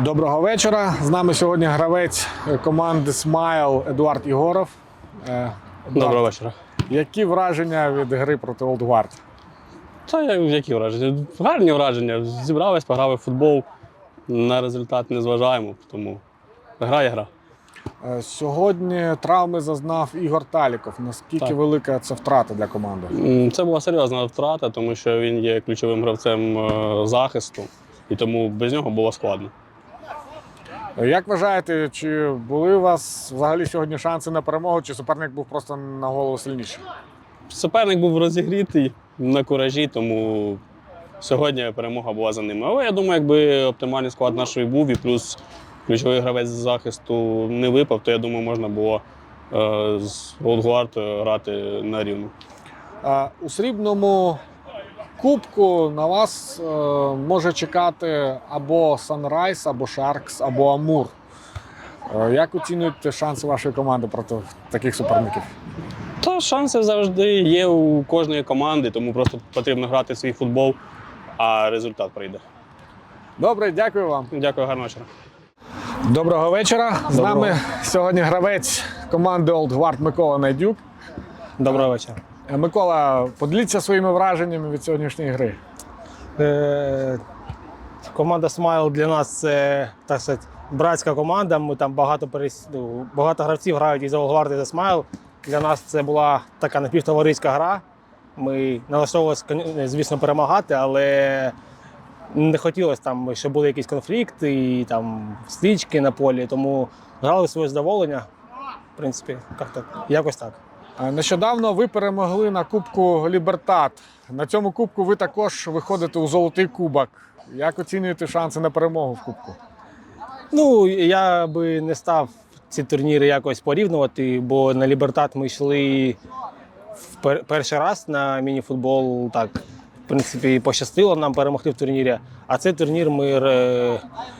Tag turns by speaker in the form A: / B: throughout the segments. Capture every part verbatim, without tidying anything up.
A: Доброго вечора. З нами сьогодні гравець команди «Смайл» Едуард Єгоров. Едуард,
B: Доброго вечора.
A: які враження від гри проти Олд Гвард?
B: Та які враження? Гарні враження. Зібрались, пограли в футбол. На результат не зважаємо, тому гра є гра.
A: Сьогодні травми зазнав Ігор Таліков. Наскільки
B: Так.
A: велика це втрата для команди?
B: М, Це була серйозна втрата, тому що він є ключовим гравцем е, захисту, і тому без нього було складно.
A: Як вважаєте, чи були у вас взагалі сьогодні шанси на перемогу, чи суперник був просто на голову сильніший?
B: Суперник був розігрітий на куражі, тому сьогодні перемога була за ними. Але я думаю, якби оптимальний склад нашої був і плюс ключовий гравець з захисту не випав, то я думаю, можна було е, з Олд Гвард грати на рівну.
A: А, У срібному кубку на вас е, може чекати або Санрайз, або Шаркс, або Амур. Е, як оцінюєте шанси вашої команди проти таких суперників?
B: Та шанси завжди є у кожної команди, тому просто потрібно грати свій футбол, а результат прийде.
A: Добре, дякую вам.
B: Дякую, гарного вечора.
A: Доброго вечора. З
B: Доброго.
A: нами сьогодні гравець команди Олд Гвард Микола Найдюк.
B: Доброго вечора.
A: Е, Микола, поділіться своїми враженнями від сьогоднішньої гри.
C: Е, Команда «Смайл» для нас це, так сказати, братська команда. Ми там багато перес... ну, багато гравців грають і за «Олдгвард», і за «Смайл». Для нас це була така напівтовариська гра. Ми налаштовувалися, звісно, перемагати, але не хотілося там, щоб були якісь конфлікти і там стички на полі. Тому грали своє задоволення. В принципі, як-то, якось так.
A: Е, Нещодавно ви перемогли на Кубку Лібертат. На цьому кубку ви також виходите у золотий кубок. Як оцінюєте шанси на перемогу в кубку?
C: Ну, я би не став ці турніри якось порівнювати, бо на Лібертат ми йшли в пер- перший раз на міні-футбол. Так, в принципі, пощастило нам перемогти в турнірі. А цей турнір ми е,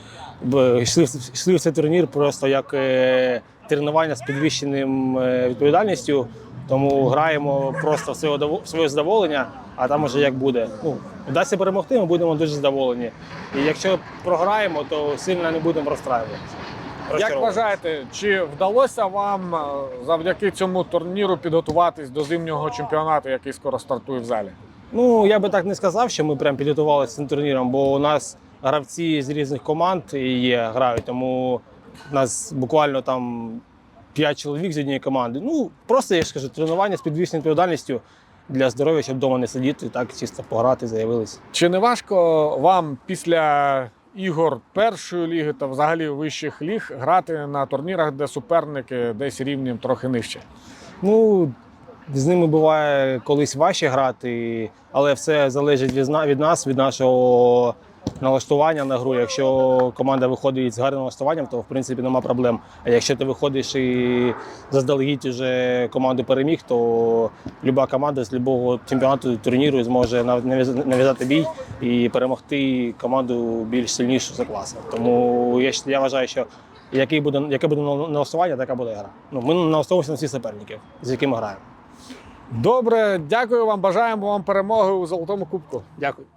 C: б- йшли, в- йшли в цей турнір просто як е, тренування з підвищеним е, відповідальністю. Тому граємо просто в своє, в своє задоволення, а там уже як буде. Ну, вдасться перемогти, ми будемо дуже задоволені. І якщо програємо, то сильно не будемо розстраюватися.
A: Як вважаєте, чи вдалося вам е, завдяки цьому турніру підготуватись до зимнього чемпіонату, який скоро стартує в залі?
C: Ну, я би так не сказав, що ми прям підготувалися цим турніром, бо у нас гравці з різних команд є, грають, тому у нас буквально там п'ять чоловік з однієї команди. Ну, просто, я ж кажу, тренування з підвищеною відповідальністю для здоров'я, щоб вдома не сидіти, так чисто пограти, заявились.
A: Чи не важко вам після ігор першої ліги та взагалі вищих ліг грати на турнірах, де суперники десь рівнем трохи нижче?
C: Ну, з ними буває колись важче грати, але все залежить від зна- від нас, від нашого налаштування на гру. Якщо команда виходить з гарним налаштуванням, то в принципі нема проблем. А якщо ти виходиш і заздалегідь вже команду переміг, то люба команда з будь-якого чемпіонату турніру зможе нав- нав'яз- нав'язати бій і перемогти команду більш сильнішу за класом. Тому я, ж- я вважаю, що який буде, яке буде нал- налаштування, така буде гра. Ну, ми налаштовуємося на всіх суперників, з якими граємо.
A: Добре, дякую вам, бажаємо вам перемоги у Золотому Кубку.
C: Дякую.